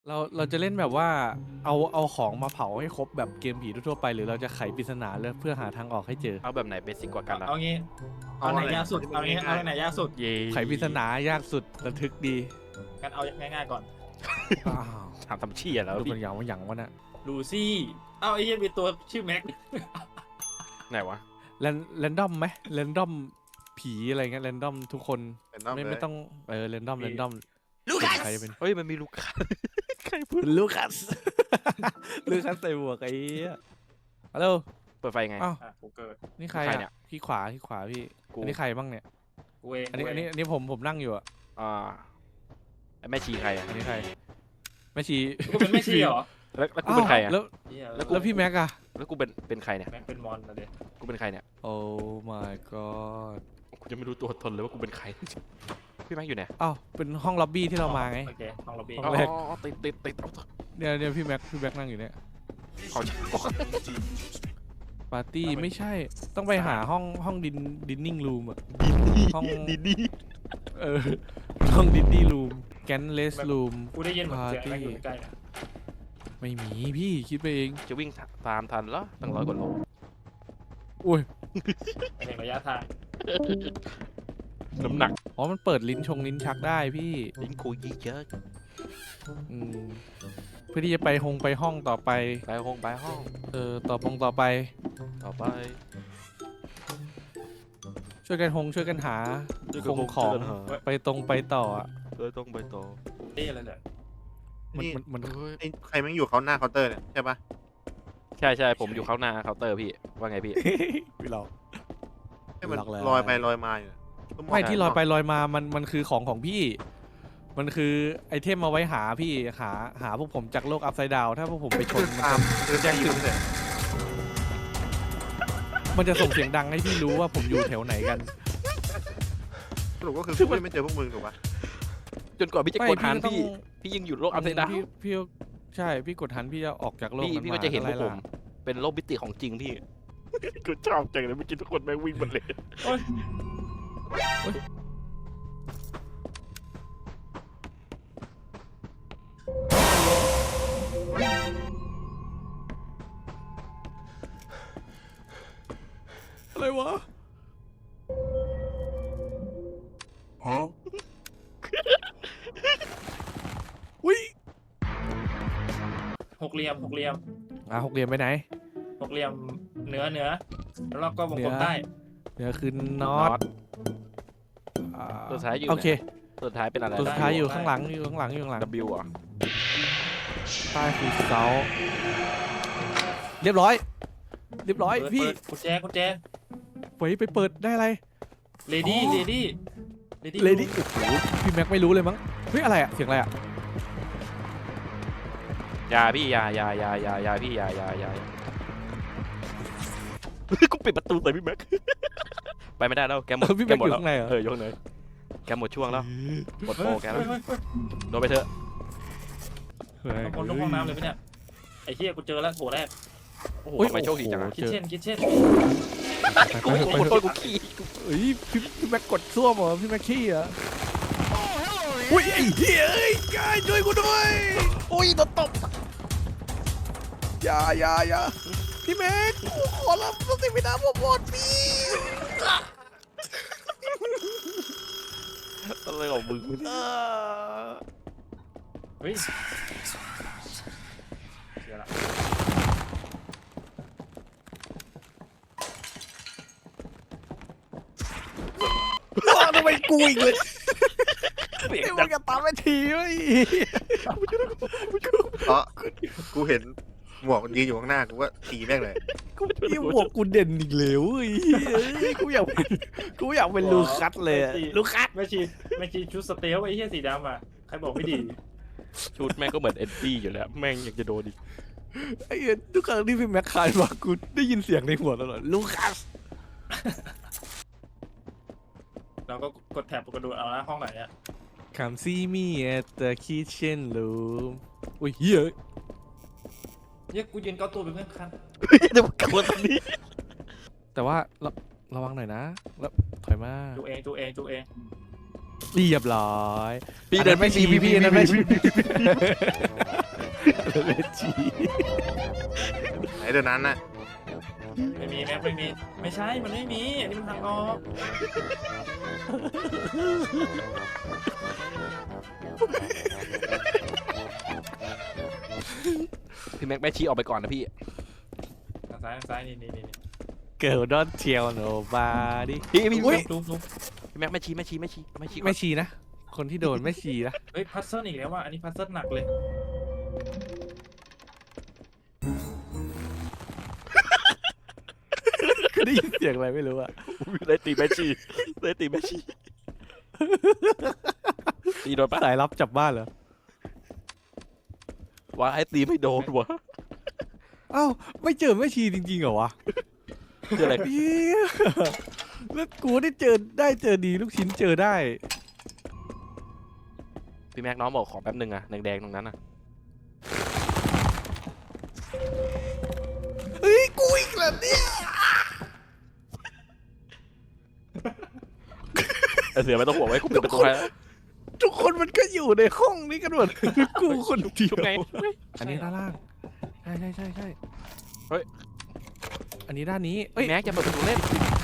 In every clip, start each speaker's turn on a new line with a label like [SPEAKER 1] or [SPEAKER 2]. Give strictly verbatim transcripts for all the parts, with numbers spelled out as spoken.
[SPEAKER 1] เราเราจะเล่นแบบว่าเอาเอาของมาเผาให้ครบแบบเกมผีทั่วๆไปหรือเราจะไขปริศนาเลยเพื่อหาทางออกให้เจอ
[SPEAKER 2] เอาแบบไหนเบสิกกว่ากันล่ะ
[SPEAKER 3] เอางี้เอาไหนยากสุดเอางี้เอาไหนยากสุด
[SPEAKER 2] เย่
[SPEAKER 1] ไขปริศนายากสุดระทึกดี
[SPEAKER 3] กันเอาง่ายๆก่อน
[SPEAKER 1] อ้าว
[SPEAKER 2] ถามทำเชี่ยแล้ว
[SPEAKER 1] ดู
[SPEAKER 2] พี่
[SPEAKER 1] เป็นอย่างว่าอย่างวะน่ะ
[SPEAKER 3] ลูซี่เอ้าไอ้เหี้ยมีตัวชื่อแม็ก
[SPEAKER 2] ไหนวะ
[SPEAKER 1] แรนแรนดอมไหมแรนดอมผีอะไรเงี้ยแรนดอมทุกคน
[SPEAKER 4] เป็นน้อง
[SPEAKER 1] ไม่
[SPEAKER 4] เล
[SPEAKER 1] ไม่
[SPEAKER 4] ย
[SPEAKER 1] ต้องเออแรนดอมแรนดอม
[SPEAKER 3] ลูคัส
[SPEAKER 1] ใครเป็น
[SPEAKER 2] เฮ้ยมันมีลูกค้า ใครพูด
[SPEAKER 1] ลูคัส ลูคัสใส่หมวกไอ้เหี้ยฮัลโหล
[SPEAKER 2] เปิดไฟไง
[SPEAKER 1] อ้าว
[SPEAKER 3] อ่ะกูเกิด
[SPEAKER 1] นี่ใคร
[SPEAKER 2] ใครเนี่
[SPEAKER 1] อ่ะ
[SPEAKER 2] ย
[SPEAKER 1] ที่ขวาที่ขวาพี่
[SPEAKER 2] กู
[SPEAKER 1] อันนี้ใครบ้างเนี่ย
[SPEAKER 3] กูเอง
[SPEAKER 1] อันนี้อันนี้อันนี้ผมผมนั่งอยู่อ่ะ
[SPEAKER 2] อ่าไอ้แม่ชีใครอ่ะ
[SPEAKER 1] อันนี้ใครแม่ชี
[SPEAKER 3] กูเป็นแม่ชีเหรอ
[SPEAKER 2] แล้วแล้วกูเป็นใครอ่ะ
[SPEAKER 1] แล้ว
[SPEAKER 3] เหี้ย
[SPEAKER 2] แล้วกู
[SPEAKER 1] แล้วพี่แม็กอะ
[SPEAKER 2] แล้วกูเป็นเป็นใครเนี่ย
[SPEAKER 3] แม็กเป็นมอนนะเด็ก
[SPEAKER 2] กูเป็นใครเนี่ย
[SPEAKER 1] โอ้ my god
[SPEAKER 2] กูจะไม่รู้ตัวตนเลยว่ากูเป็นใคร พี่แม็กอยู่ไหน
[SPEAKER 1] อ้าวเป็นห้องล็อบบี้ที่เรามาไง
[SPEAKER 3] โอเคห้องล็อบบี้
[SPEAKER 1] ห้องแรก
[SPEAKER 2] อ๋อติดติดติดเอาเถอะ
[SPEAKER 1] เนี่ยเนี่ยพี่แม็กพี่แม็กนั่งอยู่เนี่ย
[SPEAKER 2] เอา
[SPEAKER 1] ปาร์ตี้ไม่ใช่ต้องไปหาห้องห้องดินดินนิ่งรูมอะห้อง
[SPEAKER 2] ดีดี
[SPEAKER 1] เออห้องดินนี่รูมแกนเลสรูม
[SPEAKER 3] กูได้ยินเหมือนเสียง
[SPEAKER 1] ปาร์ตี้
[SPEAKER 3] แม็กอยู่ใกล้ๆนะ
[SPEAKER 1] ไม่มีพี่คิดไปเอง
[SPEAKER 2] จะวิ่งตามทันเหรอตั้งร้อยกว่าโล
[SPEAKER 1] อุ้ย
[SPEAKER 3] ไม่ถึงระยะทาง
[SPEAKER 2] น้ำหนัก
[SPEAKER 1] อ๋อมันเปิดลิ้นชงลิ้นชักได้พี่
[SPEAKER 2] ลิ้นคุยเยอะ
[SPEAKER 1] อืมเพื่อที่จะไปหงไปห้องต่อไป
[SPEAKER 2] ไปห้องไปห้อง
[SPEAKER 1] เออต่อปงต่อไป
[SPEAKER 2] ต่อไป
[SPEAKER 1] ช่วยกันหงช่วยกันหาคงของไปตรงไปต่ออะ
[SPEAKER 2] เออต้องไปต่อ
[SPEAKER 3] นี่อะไรเนี่ย
[SPEAKER 1] มัน
[SPEAKER 4] นี่
[SPEAKER 1] มันมัน
[SPEAKER 2] เฮ้ย
[SPEAKER 4] ไอ้ใครแม่งอยู่เขาหน้าเคาน์เตอร์เนี่ยใช่ปะ
[SPEAKER 2] ใช่ใช่ผมอยู่ข้างหน้าเคาน์เตอร์พี่ว่าไงพี่
[SPEAKER 1] พี่หลอก
[SPEAKER 4] ให้มัน
[SPEAKER 1] หลอกแล้ว
[SPEAKER 4] ลอยไปลอยมาอยู่
[SPEAKER 1] ไม่ที่ลอยไปลอยมามันมันคือของของพี่ มันคือไอเทมมาไว้หาพี่หาหาพวกผมจากโลกอัพไซด์ดาวถ้าพวกผมไปช
[SPEAKER 4] คื
[SPEAKER 1] น
[SPEAKER 4] อ
[SPEAKER 1] มัน
[SPEAKER 4] ตาม
[SPEAKER 1] จะ
[SPEAKER 4] คือแจ้งถึงเลย
[SPEAKER 1] มันจะส่งเสียงดังให้พี่รู้ว่าผมอยู่แถวไหนกัน
[SPEAKER 4] สรุปก็คือกูยังไม่เจอพวกมึงถูกปะ
[SPEAKER 2] จนกว่าพี่จะ
[SPEAKER 1] ไม่
[SPEAKER 2] กดหัน
[SPEAKER 1] พี่
[SPEAKER 2] พี่
[SPEAKER 1] ก็ต้อง
[SPEAKER 2] พี่ยังอยู่โลกอัพไซด์ดาว
[SPEAKER 1] พี่พี่ใช่พี่กดหันพี่จะออกจากโลก
[SPEAKER 2] พี่
[SPEAKER 1] นั้น
[SPEAKER 2] พี่
[SPEAKER 1] มา
[SPEAKER 2] ก็จะเห็นพวก
[SPEAKER 1] อะไร
[SPEAKER 2] ผม
[SPEAKER 1] ล่ะ
[SPEAKER 2] เป็นโลกมิติของจริงพี่ กูชอบจังเลยเมื่อกี้ทุกคนแม่งวิ่งหมดเลย
[SPEAKER 3] โอ้ย
[SPEAKER 1] อะไรวะฮะอุ้ย
[SPEAKER 3] หกเหลี่ยมหกเหลี่ยม
[SPEAKER 1] อ่ะหกเหลี่ยมไปไหน
[SPEAKER 3] หกเหลี่ยมเหนือเหนือแล้วเราก็วงกลม
[SPEAKER 1] เหนือ
[SPEAKER 3] ใต้
[SPEAKER 1] เดี๋ยวคือน็อตอ่า
[SPEAKER 2] ตัวท้ายอยู่
[SPEAKER 1] โอเค
[SPEAKER 2] ตัวท้ายเป็นอะไร
[SPEAKER 1] ตัวสุดท้ายอยู่ข้างหลังอยู่ข้างหลังอยู่ข้างหลัง
[SPEAKER 2] W อ่ะ
[SPEAKER 1] ใต้คือเสาเรียบร้อย เรียบร้อย
[SPEAKER 3] เปิด
[SPEAKER 1] พี่
[SPEAKER 3] เปิดกุญแจกุญแจ
[SPEAKER 1] ไปไปเปิดได้อะไร
[SPEAKER 3] เลดี้
[SPEAKER 1] อ๋อ
[SPEAKER 3] เลดี้เลดี้
[SPEAKER 1] เลดี้โอ้โหพี่แม็กไม่รู้เลยมั้งเฮ้ยอะไรอะเสียงอะไรอะ
[SPEAKER 2] ยาพี่ยายายายายาพี่ยายายากูปิดประตูใส่พี่แม็ก ไปไม่ได้แล้วแกหม
[SPEAKER 1] เอ
[SPEAKER 2] ด
[SPEAKER 1] อพี่
[SPEAKER 2] แก
[SPEAKER 1] แม็ก
[SPEAKER 2] หม
[SPEAKER 1] อ
[SPEAKER 2] ด
[SPEAKER 1] ยู่
[SPEAKER 2] แล้ว
[SPEAKER 1] ข้างในเหรอ
[SPEAKER 2] เออยกเลยแกหมดช่วงแล้วหมดโปรแกแล้ว
[SPEAKER 3] เฮ้ยเฮ้ย
[SPEAKER 2] โดนไปเถอะ
[SPEAKER 1] เฮ้ย
[SPEAKER 3] เฮ้ยลงห้องน้ำเลยปะเนี่ยไอ้เหี้ยกูเจอแล้วโถแรก
[SPEAKER 2] โอ้โห
[SPEAKER 1] โอ้ย
[SPEAKER 2] ทำไมโชคดีจังอะ
[SPEAKER 1] โอ้โห
[SPEAKER 3] คิดเช่นคิดเช่น
[SPEAKER 2] กู
[SPEAKER 1] ไป
[SPEAKER 2] ข
[SPEAKER 1] เถ
[SPEAKER 2] อ
[SPEAKER 1] อะไป
[SPEAKER 2] โท
[SPEAKER 1] เถ
[SPEAKER 2] ษ
[SPEAKER 1] อะ
[SPEAKER 2] กูขี้
[SPEAKER 1] เฮ้ยพี่พี่แม็กกดซ่วมเหรอพี่แม็กขี้เหรออุ้ยไอ้เหี้ยเอ้ยกายช่วยกูด้วยอุ้ยโดนตบอย่าอย่าอย่าพี่แม็กกูขอรับสติวินาผมหมดพี่
[SPEAKER 2] อะไรของมึง
[SPEAKER 1] เออ
[SPEAKER 3] เฮ้ยเดี๋ยวละ
[SPEAKER 1] ทำไมกูอีกเลยไอ้มึงจะตามไปทีเว้ย
[SPEAKER 4] เพราะกูเห็นหมวกมันยืนอยู่ข้างหน้ากูก็ตีแม่งเลย
[SPEAKER 1] พี่หมวกกูเด่นอีกแล้วเว้ยเฮ้ยกูอยากเป็นกูอยากเป็นลูคัสเลยอะลูคัส
[SPEAKER 3] แม่ชีแม่ชีชุดสเตลไอ้เหี้ยสีดำอ่ะใครบอกไม่ดี
[SPEAKER 2] ชุดแม่งก็เหมือนเอ็ดดี้อยู่แล้วแม่งยังจะโดนอีก
[SPEAKER 1] ไอ้เหี้ยทุกครั้งที่พี่แม็กคายมากูได้ยินเสียงในหัวตลอดลูคัส
[SPEAKER 3] เราก็กดแท็บกระโดดเอานะห้องไหนอ่ะ
[SPEAKER 1] Come see me at the kitchen room อุ้ยเฮ้ย
[SPEAKER 3] เหี้ยกูยืนเกาตัวเป็นเพื่อนคัน
[SPEAKER 2] เดี๋ยวกลับตรงนี้
[SPEAKER 1] แต่ว่าระระวังหน่อยนะแล้วถอยมา
[SPEAKER 3] จูเองจูเองจูเอง
[SPEAKER 1] เรียบร้อย
[SPEAKER 2] พี่เดินไม่
[SPEAKER 1] ชี
[SPEAKER 2] ชี
[SPEAKER 1] พี่พี่นั่นไม่ชี
[SPEAKER 2] เล่นชี
[SPEAKER 4] ไหนเดี๋ยวนั้นน่ะ
[SPEAKER 3] ไม่มีแม็กไม่มีไม่ใช่มันไม่มีอันนี้มันทางออก
[SPEAKER 2] พี่แม็กแม่ชีออกไปก่อนนะพี่
[SPEAKER 3] ทางซ้ายทางซ้ายนี่นี่นี่
[SPEAKER 1] เกิร์ลดอนเทียวโนบาดิ
[SPEAKER 2] พี่พี่
[SPEAKER 1] อุ๊ย
[SPEAKER 3] ลุกลุก
[SPEAKER 2] พี่แม็กแม่ชีแม่ชีแม่ชีแม่ชีก่อน
[SPEAKER 1] ไม่ชีนะ คนที่โดนไม่ชีนะ
[SPEAKER 3] เฮ้ยพัซเซิลอีกแล้วว่ะอันนี้พัซเซิลหนักเลย
[SPEAKER 1] ได้ยินเสียงอะไรไม่รู้อะ
[SPEAKER 2] ได้ตีแม่ชีได้ตีแม่ชีตีโดนปะ
[SPEAKER 1] สายลับจับบ้านเหรอ
[SPEAKER 2] ว่าให้ตีไม่โดนวะ
[SPEAKER 1] เอ้าไม่เจอไม่ชีจริงๆเหรอวะ
[SPEAKER 2] คืออะไร
[SPEAKER 1] เหี้ยแล้วกูได้เจอได้เจอดีลูกชิ้นเจอได้
[SPEAKER 2] พี่แม็กน้องบอกขอแป๊บนึงอะแดงๆตรงนั้นอะ
[SPEAKER 1] เฮ้ยกูอีกแล้วเนี่ย
[SPEAKER 2] ไอเสือไม่ต้องห่วงไว้กูปิดประตูให้แล้ว
[SPEAKER 1] ทุกคนมันก็อยู่ในห้องนี้กันหมดกูคนเดียว
[SPEAKER 2] ชุบไง
[SPEAKER 1] อันนี้ด้านล่างใช่ใช่ใช่ใช่
[SPEAKER 2] เฮ้ย
[SPEAKER 1] อันนี้ด้านนี้เอ้ย
[SPEAKER 2] แม็กจะเปิดประตูเล่น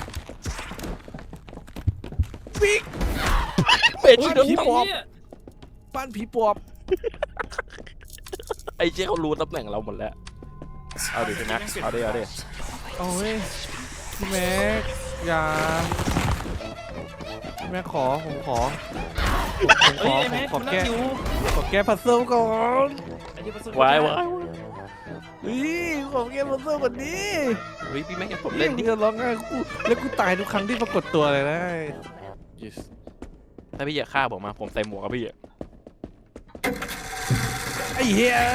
[SPEAKER 1] ปิ๊ก
[SPEAKER 2] เปิดชีโดน
[SPEAKER 1] ผี
[SPEAKER 2] ต
[SPEAKER 1] ป
[SPEAKER 2] บ
[SPEAKER 1] อบ บ้านผีปอบ
[SPEAKER 2] ไอ้เจ๊เขารู้ตำแหน่งเราหมดแล้วเอาดิพี่แม็กเอาดิเอาดิ
[SPEAKER 1] โอ้ยพี่แม็กอย่าพี่แม็กขอผมขอผมข
[SPEAKER 3] เฮ้
[SPEAKER 1] อย
[SPEAKER 3] ไอ้
[SPEAKER 1] ผ
[SPEAKER 3] แม็
[SPEAKER 1] ม
[SPEAKER 3] ก
[SPEAKER 1] ขอ
[SPEAKER 3] มันนั่
[SPEAKER 1] แก้
[SPEAKER 3] งอยู่
[SPEAKER 1] ขอแก้พัซเซิลก่อน
[SPEAKER 3] ไอ้ที่พัซเซิล
[SPEAKER 2] วายวาย
[SPEAKER 1] เฮ้ยขอแก้พัซเซิลก่อนนี้
[SPEAKER 2] เฮ้ยพี่แม็กจะผม
[SPEAKER 1] เล่
[SPEAKER 2] เล่
[SPEAKER 1] น
[SPEAKER 2] น
[SPEAKER 1] ดิ
[SPEAKER 2] ดิ
[SPEAKER 1] ร้องไห้กูแล้วกูตายทุกครั้งที่ปรากฏตัวเลยนะ
[SPEAKER 2] yes ถ้าพี่อยากฆ่าผมมาผมใส่หมวกกับพี่อะ
[SPEAKER 1] ไอ้เหี้ย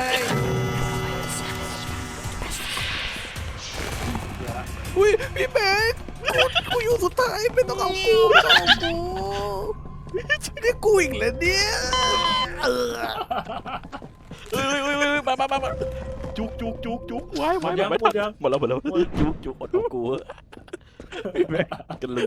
[SPEAKER 1] อุ้ยพี่แม็กกูกูอยู่สุดท้ายไม่ต้องเอากูไม่ต้องเอากูนี่กูอีกแล้วเนี่ยเออ
[SPEAKER 2] เฮ้ยเฮ้ยเฮ้ยมามามามาจุกจุกจุกจุกวายวายไม่ทันหมดแล้วหมดแล้วจุกจุกอดของกูกันลืม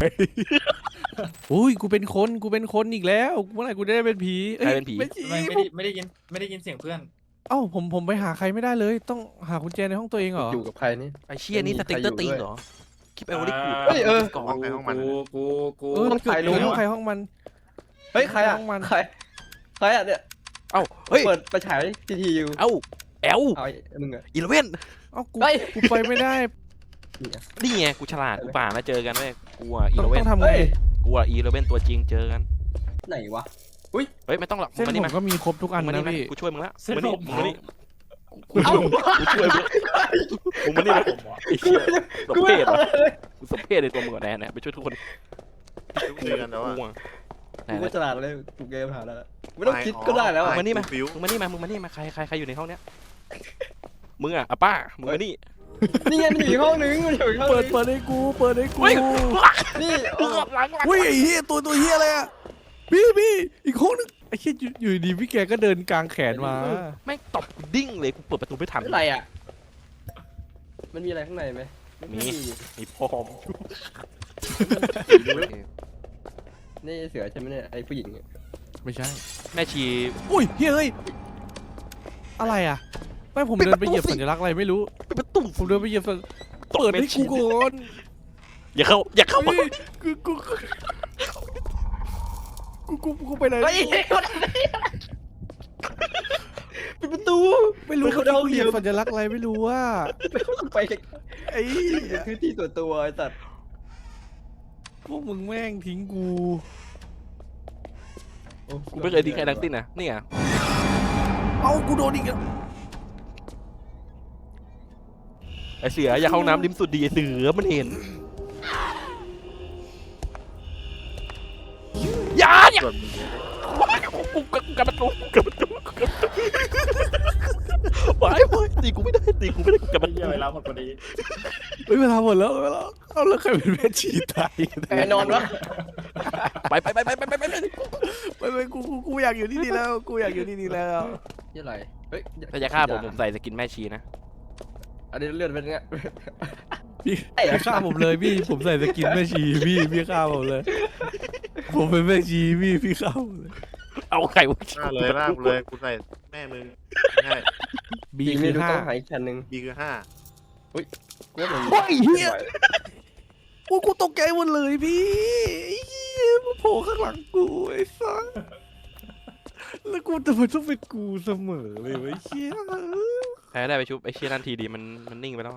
[SPEAKER 1] อุ้ยกูเป็นคนกูเป็นคนอีกแล้วเมื่อไหร่กูจะได้เป็นผีอ้ยไม่ใช่
[SPEAKER 3] ไม่ไม่ได้ไม่ได้ยินไม่ได้ยินเสียงเพื่อน
[SPEAKER 1] เอ้าผมผมไปหาใครไม่ได้เลย ต้องหากุญแจในห้องตัวเองเหรอ
[SPEAKER 5] อยู่กับใครนี่
[SPEAKER 2] ไอ้เชี่ยนี่สติ๊กเกอร์ตีนเหรอคลิปไอโอลิกู
[SPEAKER 5] เฮ้ยเออ
[SPEAKER 2] ก่อน
[SPEAKER 4] ห้องใครห้องมัน
[SPEAKER 3] กูกูกู
[SPEAKER 1] เออ
[SPEAKER 5] ต้อง
[SPEAKER 1] เกิด
[SPEAKER 5] ถ่ายรู
[SPEAKER 1] รู้
[SPEAKER 5] ป
[SPEAKER 1] ห้องใครห้องมัน
[SPEAKER 5] เฮ้ยใครอ่ะ
[SPEAKER 1] ห้องมัน
[SPEAKER 5] ใครใครอ่ะเนี่ย
[SPEAKER 2] เอ้าเฮ้ย
[SPEAKER 5] เปิดไปฉายทีทีอยู่
[SPEAKER 2] เอ้าแอล
[SPEAKER 5] เอาไอ้มึงอ่ะ
[SPEAKER 2] อีเลเว่น
[SPEAKER 1] เอ้ากู
[SPEAKER 5] เฮ้ย
[SPEAKER 1] กูไปไม่ได้
[SPEAKER 2] นี่ไงกูฉลาดกูป่ามาเจอกันเว้ยกูอ่ะอี
[SPEAKER 1] ต้อง
[SPEAKER 2] เลเว่
[SPEAKER 1] ต้
[SPEAKER 2] น
[SPEAKER 1] องทำไง
[SPEAKER 5] เฮ้ย
[SPEAKER 2] กูอ่ะอีเลเว่นตัวจริงเจอกัน
[SPEAKER 5] ไหนวะ
[SPEAKER 2] เฮ้ยไม่ต้องหรอกมึ
[SPEAKER 1] เส้
[SPEAKER 2] ง
[SPEAKER 1] น
[SPEAKER 2] มา
[SPEAKER 1] ผ
[SPEAKER 2] นี่
[SPEAKER 1] ม
[SPEAKER 2] มา
[SPEAKER 1] ก็มีครบทุกอัน
[SPEAKER 2] มึงมา
[SPEAKER 1] นะ
[SPEAKER 2] นี่มา
[SPEAKER 1] พี่
[SPEAKER 2] กูช่วยมึงละ
[SPEAKER 3] เส้น
[SPEAKER 2] มึง
[SPEAKER 3] ผ
[SPEAKER 2] มานี่
[SPEAKER 3] ม
[SPEAKER 2] มึงมานี่กูช่วยมึงกูช่วยมึงมึงมานี่มาไอ้เชี่ยสมเพศเหรอกูสมเพศในตัวมึงก่อนแน่ๆไปช่วยทุกคน
[SPEAKER 4] เจอกันแล้วอะ
[SPEAKER 2] กูอะไหน
[SPEAKER 5] กู
[SPEAKER 2] ไหน
[SPEAKER 5] ก็ฉลาดเลยกูเกมหาแล้วไม่ต้องคิดก็ได้แล้ว
[SPEAKER 2] มึ
[SPEAKER 5] อะ
[SPEAKER 2] งมานี่มา
[SPEAKER 4] ฟิว
[SPEAKER 2] มึงมานี่มามึงมานี่มาใครใครใครอยู่ในห้องเนี้ยมึงอ่ะอ่ะป้ามึงมานี่
[SPEAKER 5] นี่ไงมันอยู่อีกห้องนึงมันอยู่อีกห้อง
[SPEAKER 1] เปิด
[SPEAKER 5] นึง
[SPEAKER 1] เปิดให้กูเปิดให้กู
[SPEAKER 2] เฮ้ย
[SPEAKER 5] นี่
[SPEAKER 2] หลังหลังหลัง
[SPEAKER 1] อุ้ยไอ้เหี้ยตัวตัวเหี้ยอะไรอ่ะพี่พี่อีกห้องนึงไอ้เหี้ยอยู่อยู่ดีพี่แกก็เดินกลางแขนมา
[SPEAKER 2] แม่งตบกูดิ้งเลยกูเปิดประตูไม่ทัน
[SPEAKER 5] อะไรอ่ะมันมีอะไรข้างในไหม
[SPEAKER 2] มี มีพร้อม
[SPEAKER 5] นี่เสือใช่ไหมเนี่ยไอ้ผู้หญิงเนี่ย
[SPEAKER 1] ไม่ใช่
[SPEAKER 2] แม่ชี
[SPEAKER 1] อุ้ยเฮ้ยเฮ้ยอะไรอ่ะไม่ผมเดินไปเหยียบสัญลักษณ์อะไรไม่รู้
[SPEAKER 2] เป็นประตู
[SPEAKER 1] ผมเดินไปเหยียบสัญ
[SPEAKER 2] ตบ
[SPEAKER 1] เปิด
[SPEAKER 2] แม่
[SPEAKER 1] ให้
[SPEAKER 2] ชี
[SPEAKER 1] กูก่อน
[SPEAKER 2] อย่าเข้าอย่าเข้ามา
[SPEAKER 1] เฮ้ยกูกูกูกูกูไปไหน
[SPEAKER 5] เฮ้ยปิดประตู
[SPEAKER 1] ไม่รู้
[SPEAKER 5] เขา
[SPEAKER 1] เขา
[SPEAKER 5] เดา
[SPEAKER 1] เห
[SPEAKER 5] เห
[SPEAKER 1] ยี
[SPEAKER 5] ยี
[SPEAKER 1] ย
[SPEAKER 5] ย
[SPEAKER 1] บบ สัญลักษณ์อะไรไม่รู้ว่า
[SPEAKER 5] ไป
[SPEAKER 1] ไอ้
[SPEAKER 5] พื้นที่ส่วนตัวไอ้สัตว์
[SPEAKER 1] พวกมึงแม่งทิ้งกู
[SPEAKER 2] กูไม่เคยทิ้งใครทั้งสิ้นนะนี่อ่ะ
[SPEAKER 1] เอ้ากูโดนอีกแล้ว
[SPEAKER 2] ไอเสืออย่าเข้าน้ำริมสุดดีไอเสือมันเห็นอย่าอย่า
[SPEAKER 4] ส่วนมึง
[SPEAKER 2] กูกับกับประตูกับประตูกับประตูไปไปตีกูไม่ได้ตีกูไม่ได้กับประตู
[SPEAKER 3] เหี้ยเวลาหมดพอดี
[SPEAKER 1] เฮ้ยเวลาหมดแล้วเวลาเอาแล้วใครเป็นแม่ชีตายกัน
[SPEAKER 5] แน่นอนวะ
[SPEAKER 2] ไปไปไปไปไปไปไป
[SPEAKER 1] ไปไปกูกูกูอยากอยู่ที่นี่แล้วกูอยากอยู่ที่นี่แล้ว
[SPEAKER 5] ยี่อะไรเฮ้ย
[SPEAKER 2] ถ้าจะฆ่าผมผมใส่สกินแม่ชีนะ
[SPEAKER 5] อันนี้เลือดเป็นไง
[SPEAKER 1] พี่พี่ฆ่าผมเลยพี่ผมใส่สกินแม่ชีพี่พี่ฆ่าผมเลย ผมเป็นแม่ชีพี่พี่ฆ่าผมเลย
[SPEAKER 2] เอาไข่วะ
[SPEAKER 4] ล่าเลยล่ากูเลยกูใส่แม่มึงใช่
[SPEAKER 1] บี
[SPEAKER 5] อีก
[SPEAKER 1] คื
[SPEAKER 5] ไม่
[SPEAKER 1] อ
[SPEAKER 5] รู้
[SPEAKER 1] ห้า
[SPEAKER 5] ต้องหาอีกชั้นหนึ่ง
[SPEAKER 4] บีคือห้า
[SPEAKER 5] กูว่ามัน
[SPEAKER 1] โอ้ยเฮียโอ้ยกูตกใจหมดเลยพี่ไอ้เฮียมาโผล่ข้างหลังกูไอ้สัสแล้วกูแต่มันต้องเป็นกูเสมอเลยไอ้เฮีย
[SPEAKER 2] แพ้ได้ไปชุบไอ้เชี่ยนั่นทีดีมันมันนิ่งไปแล้ว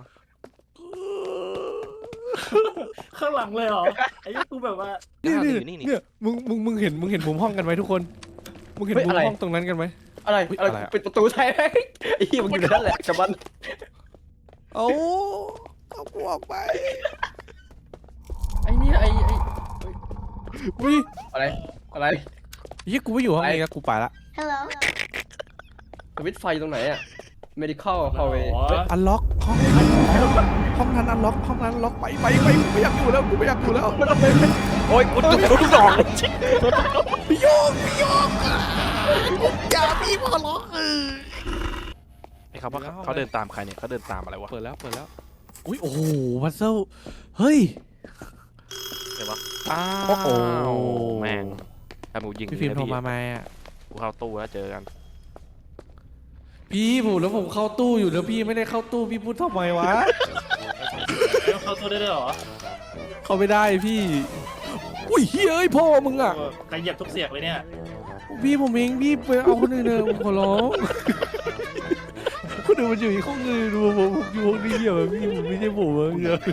[SPEAKER 3] ข้างหลังเลยเหรอไอ้เหี้ยกูแบบว่า
[SPEAKER 1] นี่นี่
[SPEAKER 2] นี่นี่
[SPEAKER 1] เนี่ยมึงมึงมึงเห็นมึงเห็นมุมห้องกันไหมทุกคนมึงเห็นมุมห้องตรงนั้นกันไหม
[SPEAKER 5] อะไร
[SPEAKER 1] อุ๊ย
[SPEAKER 5] อะไร
[SPEAKER 1] อะไรอะ
[SPEAKER 5] ปิดประตูใช่ไหมไอ้เหี้ยมันอยู่ในนั่นแหละกับมัน
[SPEAKER 1] เอาเอากูออกไป
[SPEAKER 5] ไอ้เนี่ยไอ้ไอ้
[SPEAKER 1] วิ
[SPEAKER 5] อะไรอะไร
[SPEAKER 1] เฮียกูไม่อยู่ห้องนี้แล้วกูไปละ
[SPEAKER 6] Hello.
[SPEAKER 5] สวิตช์ไฟตรงไหนอะ medical hallway
[SPEAKER 3] อ๋อ
[SPEAKER 1] อันล็อกห้องห้องนั้นอันล็อกห้องนั้นล็อกไปไปไปกูไม่อยากอยู่แล้วกูไม่อยากอยู่แล้ว
[SPEAKER 2] โอ้ยกูจุกโดนทุกดอกเลย
[SPEAKER 1] พี่โยกพี่โยกอย่าพี่พอล็อกเออ
[SPEAKER 2] ไอ้เขาว่าเขาเดินตามใครเนี่ยเขาเดินตามอะไรวะ
[SPEAKER 1] เปิดแล้วเปิดแล้วอุ้ยโอ้โหพัซเซิลเฮ้ย
[SPEAKER 2] อ้า
[SPEAKER 1] โอ้โห
[SPEAKER 2] วแม่งถ้ามึงยิง
[SPEAKER 1] พี่ฟิล์มโทรมาไหมอ่ะ
[SPEAKER 2] กูเข้าตู้แล้วเจอกัน
[SPEAKER 1] พี่ผมแล้วผมเข้าตู้อยู่แล้วพี่ไม่ได้เข้าตู้พี่พูดทำไมวะ
[SPEAKER 3] แล้วเข้าตัวได้ด้วยเหรอ
[SPEAKER 1] เข้าไม่ได้พี่อุ้ยเฮ้ยเอ้ยพ่อมึงอ่ะ
[SPEAKER 3] ใครเหยียบทุกเสียงเลยเนี่ย
[SPEAKER 1] พี่ผมเองพี่ไปเอาคนอื่นเถอะผมขอร้องคนอื่นมันอยู่อีกห้องนึงดูผมผมอยู่ห้องนี้เดียวอะพี่ผมไม่ใช่ผมอะเดียว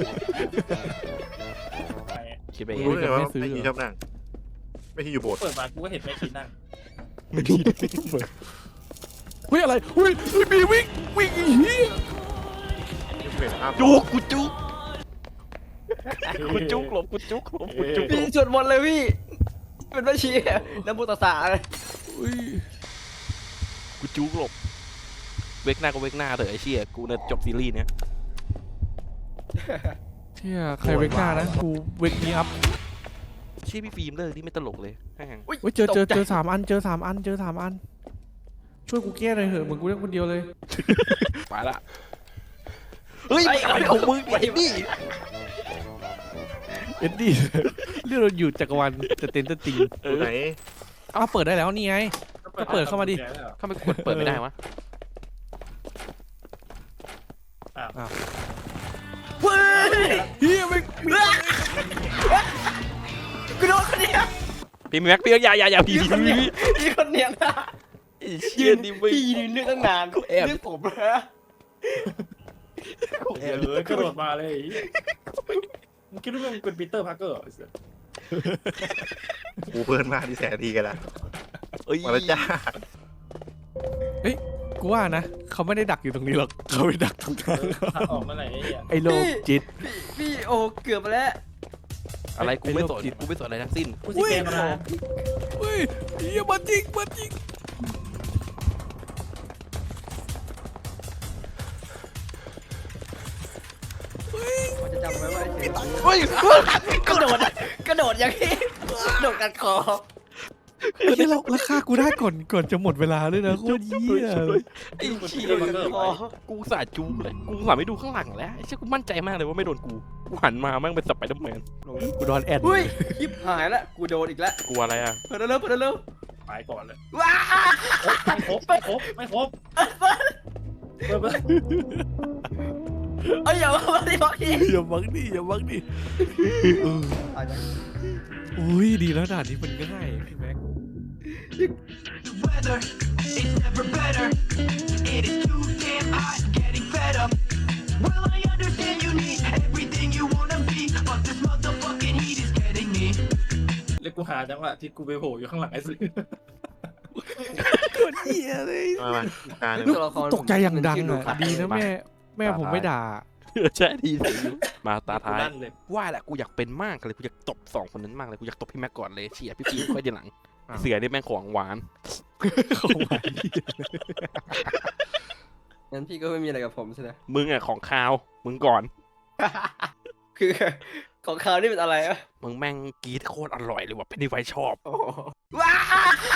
[SPEAKER 2] คิดไป
[SPEAKER 4] มึ
[SPEAKER 2] เอง ง
[SPEAKER 4] รู้เลยว่า
[SPEAKER 1] ไม่ซื้อ
[SPEAKER 4] ไม่ชีชอบนั่งไม่ชีอยู่โบสถ์
[SPEAKER 3] เปิดมากูก็เห็นแม่ชีนั่ง
[SPEAKER 1] ไม่ดีเฮ้ยอะไรเฮ้ยเฮ้ยบีวิ่งวิ่งอีเหี้ย
[SPEAKER 4] ที่เห็นภาพ
[SPEAKER 2] จุกกูจุกกูจุกหลบกูจุกหลบกูจุก
[SPEAKER 5] พี่สวดมนต์เลยพี่เป็นแม่ชีน้ำพุตาสาเลย
[SPEAKER 1] เฮ้ย
[SPEAKER 2] กูจุกหลบเวกหน้าก็เวกหน้าเถอะไอ้เชี่ยกูเนี่ยจบซีรีส์เนี้ย
[SPEAKER 1] เชี่ยใครเวกหน้านะกูเวกนี้อัพ
[SPEAKER 2] เชี่ยพี่ฟิล์มเลิกที่ไม่ตลกเลยแม่ง
[SPEAKER 1] เฮ้ยเจอเจอเจอสามอันเจอสามอันเจอสามอันช่วยกูแก้หน่อยเถอะเหมือนกูเล่นคนเดียวเลย
[SPEAKER 2] ไปละเฮ้ยอะไรของมึงไอ้นี่
[SPEAKER 1] เอ็ดดี้เรื่องเราอยู่จักรวาลจะเต็นจะตี
[SPEAKER 2] เอ
[SPEAKER 4] ตัว
[SPEAKER 2] อ
[SPEAKER 4] ไหน
[SPEAKER 1] อ้าวเปิดได้แล้วนี่ไง ก็เปิดเข้ามาดิ
[SPEAKER 2] ทำไมกดเปิดไม่ได้วะ
[SPEAKER 1] เฮ้ยเฮียไม่มี
[SPEAKER 5] กูโดนคนเนี้ย
[SPEAKER 2] พี่แม็กพี่อย่าอย่าอย่าพี่พี่พี่
[SPEAKER 5] พี่คนเนี้ยนะ
[SPEAKER 2] ไอ้เชี่ยนี่ไม่
[SPEAKER 5] พี่ยืนเรื่องตั้งนาน
[SPEAKER 2] แอบ
[SPEAKER 5] เรื่องผมนะ
[SPEAKER 3] เออกระโดดมาเลยไอ้เหี้ยมึงคิดว่ามึงเป็นปีเตอร์พาร์เกอร์เหรอไอ้เหี้ย
[SPEAKER 4] กูเพื่อนมาที่แสนดีกันละ
[SPEAKER 2] เอ้ย
[SPEAKER 4] มาแล้วจ้า
[SPEAKER 1] กูว่านะเขาไม่ได้ดักอยู่ตรงนี้หรอกเขาไปดักตรงนั้น
[SPEAKER 3] ทางออกเมื่อไหร่ไอ้เหี้ย
[SPEAKER 1] ไอ้โลกจิต
[SPEAKER 5] พี่โอ้เกือบไปแล้ว
[SPEAKER 2] อะไรกูไม่สน
[SPEAKER 1] ไอ้โรคจิต
[SPEAKER 2] กูไม่สนอะไรทั้งสิ้น
[SPEAKER 3] กูสิแกมมา
[SPEAKER 1] เฮ้ยเฮียมาจริงมาจริงเฮ้ย
[SPEAKER 5] ผมจะจำไว้ว่าไอ้เสียง
[SPEAKER 2] เฮ้ย
[SPEAKER 5] กระโดดกระโดดอย่างนี้กระโดดกัดคอ
[SPEAKER 1] ไอ้เหี้ยเราราคากูได้ก่อนก่อนจะหมดเวลาด้วยนะโคตรเหี้ย
[SPEAKER 2] ไอ้เชี่ย
[SPEAKER 5] คอ
[SPEAKER 2] กูสาดจูเลยกูสาไม่ดูข้างหลังแล้วไอ้เชี่ยกูมั่นใจมากเลยว่าไม่โดนกูกูหันมาแม่งเป็นสไปเดอร์แมน
[SPEAKER 1] กูโดนแอด
[SPEAKER 5] เฮ้ยยิบหายแล้วกูโดนอีกแล้ว
[SPEAKER 2] กลัวอะไรอ่ะ
[SPEAKER 5] เปิดเร็วเปิดเร็ว
[SPEAKER 3] ไปก่อนเลย
[SPEAKER 5] ว้า
[SPEAKER 3] ไม่ครบไม่ครบไม่ครบเปิดเปิด
[SPEAKER 5] เอ้ยอย่ามาดิบอกอีก
[SPEAKER 1] อย่าบังดิอย่าบังดิเอออุ้ยดีแล้วด่านนี้มันง่ายพี่แม็ก
[SPEAKER 7] Weather is never better. It is too damn hot, getting fed up. Well, I understand you need everything you wanna be, but this motherfucking heat is getting me.
[SPEAKER 3] แล้วกูหาจังหวะที่กูไปโผล่อยู่ข้างหลังไอ้สิ
[SPEAKER 1] โคตรเหี้ยเลย
[SPEAKER 4] มามาการหนึ่ง
[SPEAKER 5] ตัวละคร
[SPEAKER 1] ตกใจอย่างดังอ่ะดีนะแม่แม่ผมไม่ด่า
[SPEAKER 2] ใช่ดีสิมาตาท้าย
[SPEAKER 3] ลั่นเลย
[SPEAKER 2] ว่าแหละกูอยากเป็นมากเลยกูอยากตบสองคนนั้นมากเลยกูอยากตบพี่แม็กก่อนเลยเชี่ยพี่ฟิล์มค่อยทีหลังเสือนี่แม่งของหวาน
[SPEAKER 1] ของหวาน
[SPEAKER 5] งั้นพี่ก็ไม่มีอะไรกับผมใช่ไหม
[SPEAKER 2] มึงอ่ะของคาวมึงก่อน
[SPEAKER 5] คือของเขาวนี่เป็นอะไรอะ
[SPEAKER 2] มึงแม่งกรีดโคตรอร่อยเลยว่ะเป็นที่ไฟชอบ
[SPEAKER 5] ว้า